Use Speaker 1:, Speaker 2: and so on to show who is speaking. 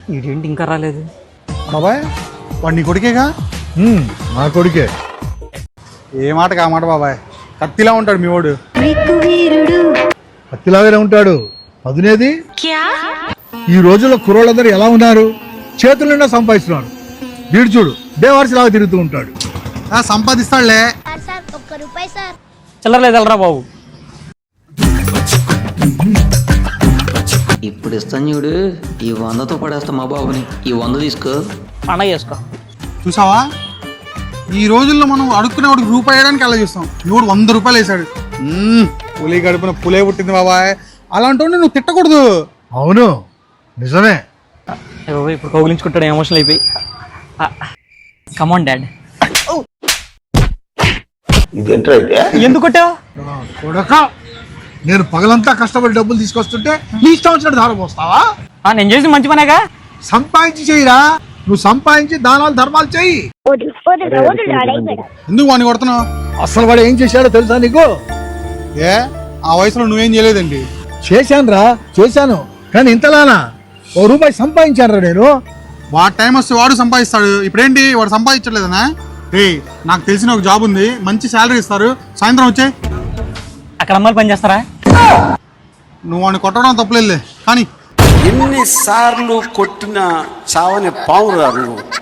Speaker 1: ఇదేంటి ఇంకా రాలేదు?
Speaker 2: బాబాయ్ వాడు నీ కొడుకేగా?
Speaker 3: నా కొడుకే.
Speaker 2: ఏ మాటకి ఆ మాట బాబాయ్. కత్తిలా ఉంటాడు మీ వాడు.
Speaker 3: కత్తిలాగానే ఉంటాడు. పదునేది. ఈ రోజుల్లో కుర్రోళ్ళందరూ ఎలా ఉన్నారు? చేతుల నిండా సంపాదిస్తున్నారు. వీడు చూడు బేవార్సి లాగా తిరుగుతూ ఉంటాడు.
Speaker 2: సంపాదిస్తాడులే.
Speaker 1: చిల్లర లేదు వెళ్ళరా బాబు.
Speaker 4: ఇప్పుడు ఇస్తాను చూడు, ఈ 100తో పడేస్తా మా బాబుని. ఈ 100 తీసుకో,
Speaker 1: పండగ చేసుకో.
Speaker 2: చూసావా, ఈ రోజుల్లో మనం అడుక్కునేవాడికి రూపాయి వేయడానికి అలా చూస్తాం. ఇవాడు 100 రూపాయలు వేసాడు. పులి గడుపున పులే పుట్టింది బాబాయ్. అలాంటి నువ్వు తిట్టకూడదు.
Speaker 3: అవును నిజమే.
Speaker 1: ఇప్పుడు కౌగిలించుకుంటాడు ఎమోషనల్ అయిపోయి. Come on dad. ఎందుకు కొట్టావు?
Speaker 3: కొడక, నేను పగలంతా కష్టపడి డబ్బులు తీసుకొస్తుంటే నీ ఇష్టం వచ్చినట్టు ధార పోస్తావా?
Speaker 1: నేను చేసి మంచి పనేగా.
Speaker 3: సంపాదించి చెయ్యిరా. నువ్వు సంపాదించి దానాలు ధర్మాలు చెయ్యి.
Speaker 2: ఎందుకు వాడిని కొడుతున్నావు?
Speaker 3: అసలు వాడు ఏం చేశాడో తెలుసా నీకు?
Speaker 2: ఏ ఆ వయసులో నువ్వేం చేయలేదండి.
Speaker 3: చేశాను కానీ ఇంతలానా? ₹1 సంపాదించాను రా నేను.
Speaker 2: వాడు టైం వస్తే వాడు సంపాదిస్తాడు. ఇప్పుడేంటి వాడు సంపాదించట్లేదనా? నాకు తెలిసిన ఒక జాబ్ ఉంది, మంచి శాలరీ ఇస్తారు. సాయంత్రం వచ్చాయి.
Speaker 1: అక్కడ అమ్మాయిలు పని చేస్తారా?
Speaker 2: నువ్వు వాడిని కొట్టడం తప్పలేదులే కానీ
Speaker 5: ఎన్నిసార్లు కొట్టిన చావని పావురా నువ్వు.